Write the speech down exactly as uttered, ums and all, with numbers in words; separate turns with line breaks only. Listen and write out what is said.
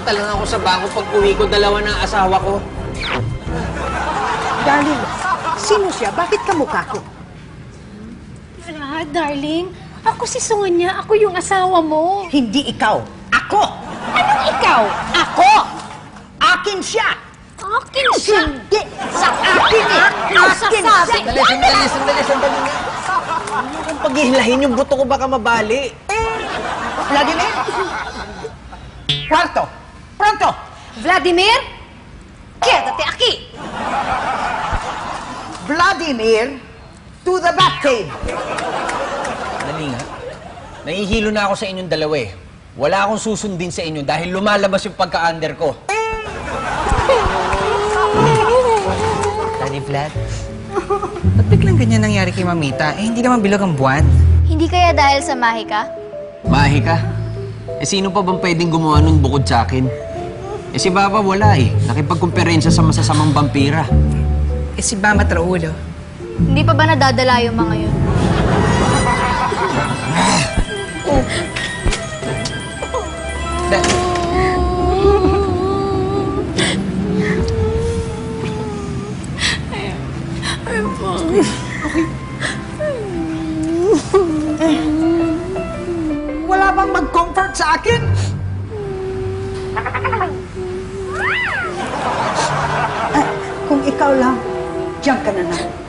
Pumunta lang ako sa bangko pag uwi ko dalawa ng asawa ko.
Darling, sino siya? Bakit kamukha ko?
Ah, darling, ako si Sonia. Ako yung asawa mo.
Hindi ikaw. Ako!
Anong ikaw?
Ako! Akin siya!
Akin siya.
Hindi! Sa akin eh!
Ano
Akin
sasabi?
siya!
Sandali, sandali, sandali, sandali nga. Ano kung paghihilahin yung buto ko baka mabali?
Vladimir? Kwarto! Pronto!
Vladimir, quédate aquí.
Vladimir, to the Batcave!
Dali nga. Nahihilo na ako sa inyong dalawa eh. Wala akong susundin sa inyo dahil lumalabas yung pagka-under ko.
Daddy Vlad, ba't biglang ganyan nangyari kay Mamita? Eh, hindi naman bilog ang buwan.
Hindi kaya dahil sa mahika?
Mahi ka? Eh sino pa bang pwedeng gumawa nun bukod sa akin? Eh si Baba wala eh. Nakipagkumperensya sa masasamang vampira.
Eh, si Bama Traulo.
Hindi pa ba nadadala yung mga yun?
Da
Wala bang mag-comfort sa akin? Ah, kung ikaw lang, diyan ka na na.